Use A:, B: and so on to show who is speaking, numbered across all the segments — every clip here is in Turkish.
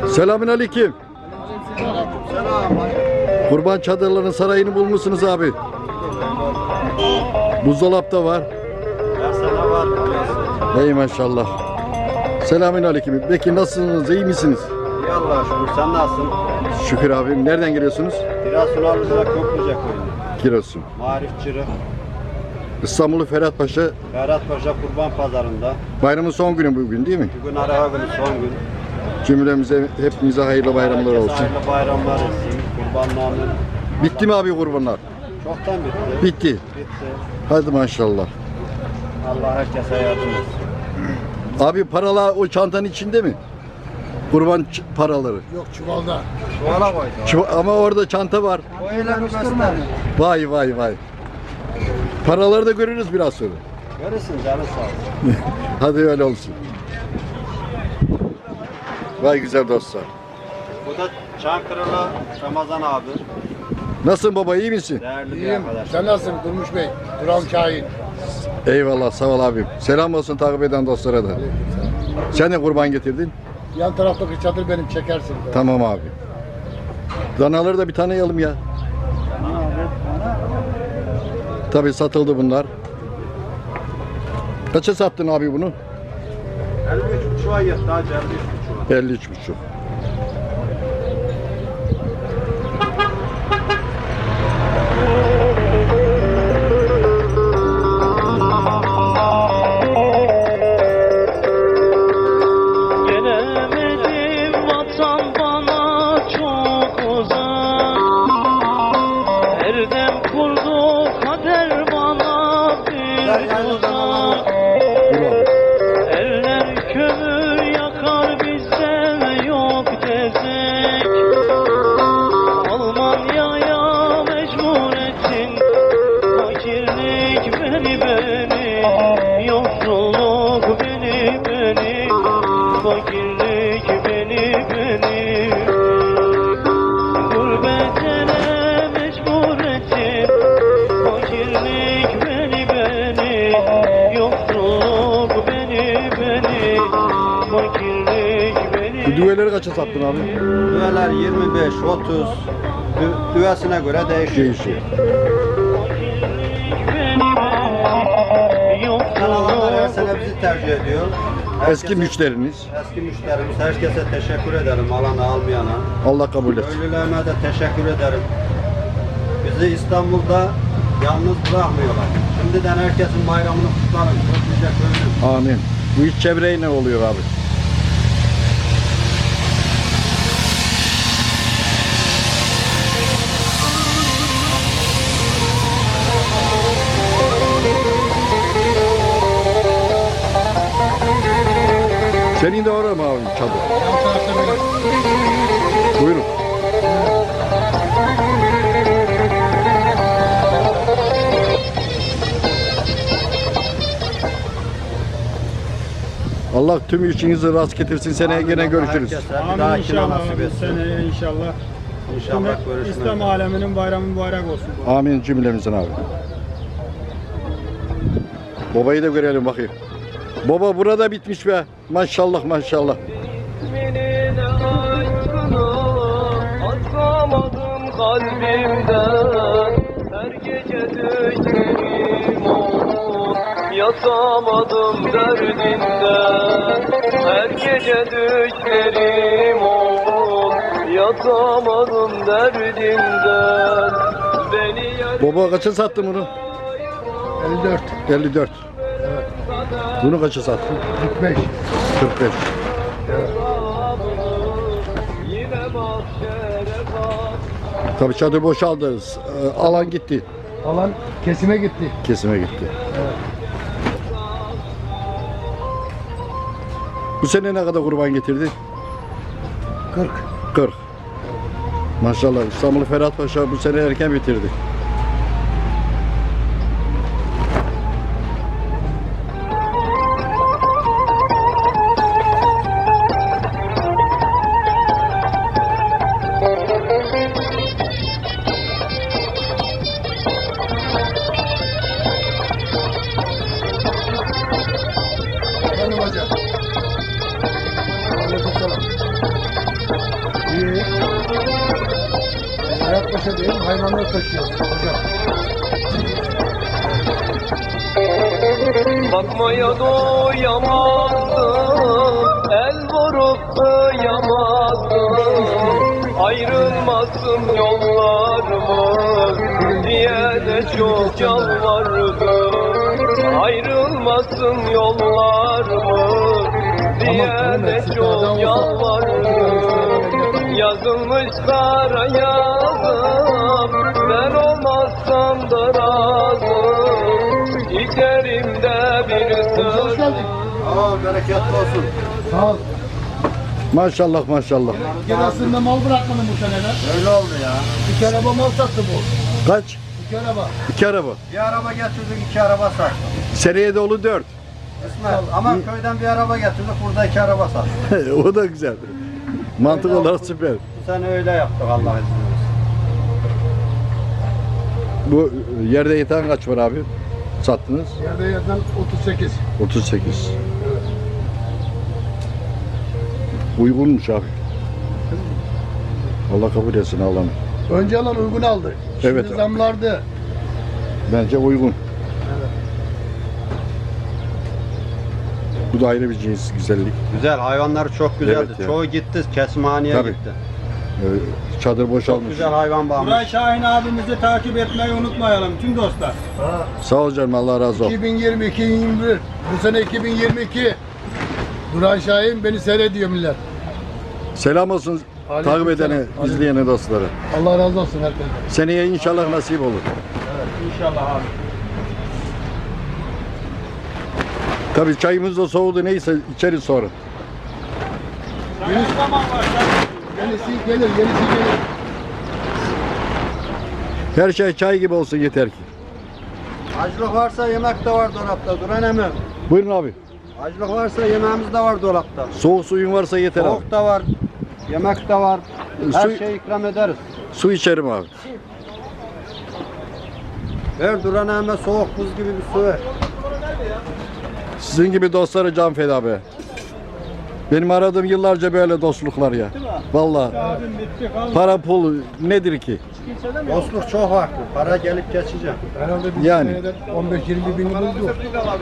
A: Selamünaleyküm. Kurban çadırlarının sarayını bulmuşsunuz abi. Buzdolap da var. Ey maşallah. Selamünaleyküm. Peki nasılsınız? İyi misiniz?
B: İyi Allah'a şükür. Sen nasılsın?
A: Şükür abim. Nereden geliyorsunuz?
B: Giresun Arlıca Köprüce köyü.
A: Giresun.
B: Marif Çırı.
A: İstanbul'u Ferhat Paşa.
B: Ferhat Paşa Kurban Pazarı'nda.
A: Bayramın son günü bugün değil mi?
B: Bugün ara günü son gün.
A: Cümlemize, hepimize hayırlı bayramlar
B: Herkese
A: olsun.
B: hayırlı bayramlar olsun. Kurbanlarının.
A: Bitti mi abi kurbanlar?
B: Çoktan bitti.
A: Bitti.
B: Bitti.
A: Hadi maşallah.
B: Allah herkese yardım etsin.
A: Abi paralar o çantanın içinde mi? Kurban paraları.
C: Yok çuvalda.
B: Çuvala koydu.
A: Ama orada çanta var.
B: O öyle gösterme.
A: Vay vay vay. Paraları da görürüz biraz sonra.
B: Görürsün canı sağ olsun.
A: Hadi öyle olsun. Vay güzel dostlar.
B: Bu da Çankırılı Ramazan abi.
A: Nasılsın baba, iyi misin?
B: Değerli bir
C: İyiyim.
B: arkadaş.
C: Sen nasılsın Durmuş Bey? Duran Kain.
A: Eyvallah, sağ ol abim. Selam olsun takip eden dostlara da. Sen de kurban getirdin.
C: Yan taraftaki çadır benim, çekersin.
A: Tamam abi. Danaları da bir tanıyalım ya. Tabii satıldı bunlar. Kaça sattın abi bunu?
B: 53,5'a yetti hacı 53,5'a.
A: 53,5.
D: Gelemedim vatan bana çok uzak. Her dem kurdu kader bana bir tuzak. Eller kömür yakar bizde yok tezek. Almanya'ya mecbur ettin. Fakirlik beni yoksulluk beni fakirlik beni gurbet ele mecbur ettin. Fakirlik beni yoksulluk beni fakirlik
A: Bu düveleri kaça sattın abi?
B: Düveler 25, 30. Düvesine göre değişiyor.
A: Değişiyor.
B: Kanallar her sene bizi tercih ediyor.
A: Eski müşteriniz.
B: Eski müşterimiz. Herkese teşekkür ederim. Alana almayana.
A: Allah kabul etsin.
B: Köylülerime de teşekkür ederim. Bizi İstanbul'da yalnız bırakmıyorlar. Şimdiden herkesin bayramını kutlarım. Çok güzel köylüm.
A: Amin. Bu iç çevreye ne oluyor abi? Senin de orada mı abi çadır?
C: Yan tarafta benim.
A: Buyurun. Allah tüm işinizi rast getirsin. Seneye gene görüşürüz.
B: Herkese bir
E: Amin
B: dahakine
E: inşallah
B: nasip
E: abi.
B: etsin.
E: Seneye inşallah.
B: İnşallah görüşmek
E: İslam
B: üzere.
E: aleminin bayramı mübarek olsun.
A: Amin cümlemizin abi. Babayı da görelim bakayım. Baba burada bitmiş be. Maşallah maşallah.
D: İsminin aşkını atamadım kalbimden. Her gece düşlerim olur, yatamadım derdinden. Her gece düşlerim olur, yatamadım derdinden. Beni
A: Baba kaça sattın bunu?
C: 54.
A: 54. Bunu kaça sattın?
C: 45.
A: 45.
D: yine mahşere bak.
A: Tabii çadır boşaldı. Alan gitti.
C: Alan kesime gitti.
A: Kesime gitti. Bu sene ne kadar kurban getirdi?
C: 40.
A: 40. Maşallah İstanbul Ferhat Paşa bu sene erken bitirdi.
C: Efendim hocam. Aleykümselam. Kahramanmaraş'a değil, hayvanları taşıyoruz hocam.
D: Bakmaya doyamazdım, el vurup kıyamazdım. Ayrılmasın yollarımız diye de çok yalvardım. Ayrılmasın yollarımız diye de çok yalvardım. Yazılmış kara yazım, ben olmazsam da razım. İçerimde bir
C: Hoş
D: söz.
C: geldin.
B: Aa, bereketli olsun.
C: Sağ ol.
A: Maşallah maşallah.
C: Giresun'da mal bırakmadım bu seneler.
B: Öyle oldu ya.
C: İki araba mal sattı bu.
A: Kaç?
C: İki araba.
A: 2 araba.
B: Bir araba getirdik, 2 araba sattık.
A: Seneye dolu 4.
B: İsmet, ama köyden bir araba getirdik, burada 2 araba sattık.
A: O da güzel. Mantık olarak süper.
B: Bu sene öyle yaptık Allah izin verirse.
A: Bu yerde yatan kaç var abi? Sattınız?
C: Yerde yatan 38.
A: 38. Uygunmuş abi. Allah kabul etsin Allah'ım.
C: Önce alan uygun aldı. Şimdi
A: Evet.
C: zamlardı.
A: Bence uygun. Bu da ayrı bir cins güzellik.
B: Güzel, hayvanlar çok güzeldi.
A: Evet ya.
B: Çoğu gitti, kesimhaneye
A: Tabii.
B: gitti.
A: Çadır
B: Çok
A: boşalmış.
B: güzel hayvan
E: Buray
B: bağmış.
E: Şahin abimizi takip etmeyi unutmayalım tüm dostlar.
A: Sağ ol canım, Allah razı olsun.
C: 2020-2021. Bu sene 2022. Duran Şahin beni seyrediyor millet.
A: Selam olsun
C: Aleyküm
A: takip edene,
C: selam.
A: izleyene dostlara.
C: Allah razı olsun herkese.
A: Seneye inşallah nasip olur.
E: İnşallah abi.
A: Tabii çayımız da soğudu, neyse içeriz sonra.
E: Ne zaman var?
C: Yenisi gelir, yenisi gelir.
A: Her şey çay gibi olsun yeter ki.
B: Açlık varsa yemek de var dolapta. Duran emmi.
A: Buyurun abi.
B: Açlık varsa yemeğimiz de var dolapta.
A: Soğuk suyun varsa yeter abi.
B: Soğuk da var, yemek de var. Her
A: Su-
B: şeyi ikram ederiz.
A: Su içerim abi.
B: Ver Duran emmi soğuk buz gibi bir su ver.
A: Sizin gibi dostlara can feda be. Benim aradığım yıllarca böyle dostluklar ya. Vallahi
E: Abim bitti kaldı.
A: para pul nedir ki?
B: Dostluk çok farklı. Para gelip geçecek.
C: Herhalde bir
A: Yani.
C: senede 15-20 bin buldu.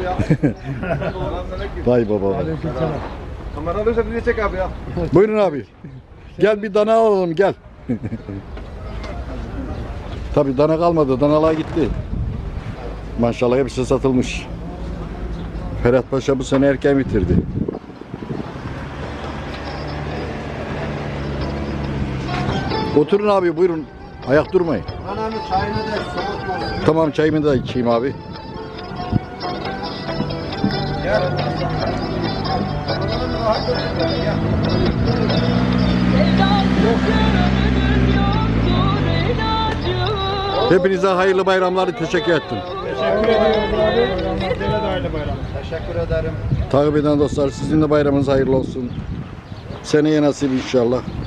A: Vay baba.
C: Aleykümselam.
D: Kamera alırsa bizi çek abi ya.
A: Buyurun abi. Gel bir dana alalım gel. Tabii dana kalmadı. Danalar gitti. Maşallah hepsi satılmış. Ferhat Paşa bu sene erken bitirdi. Oturun abi buyurun. Ayak durmayın.
B: Duran emmi çayını da soğutmasın.
A: Tamam çayımı da içeyim abi.
B: Gel. Duran emmi rahat otur. Gel.
A: Hepinize hayırlı bayramlar, teşekkür ettim.
E: Teşekkür ediyoruz abi. Gene de ayrı bayram.
B: Teşekkür ederim.
A: Takip eden dostlar sizin de bayramınız hayırlı olsun. Seneye nasip inşallah.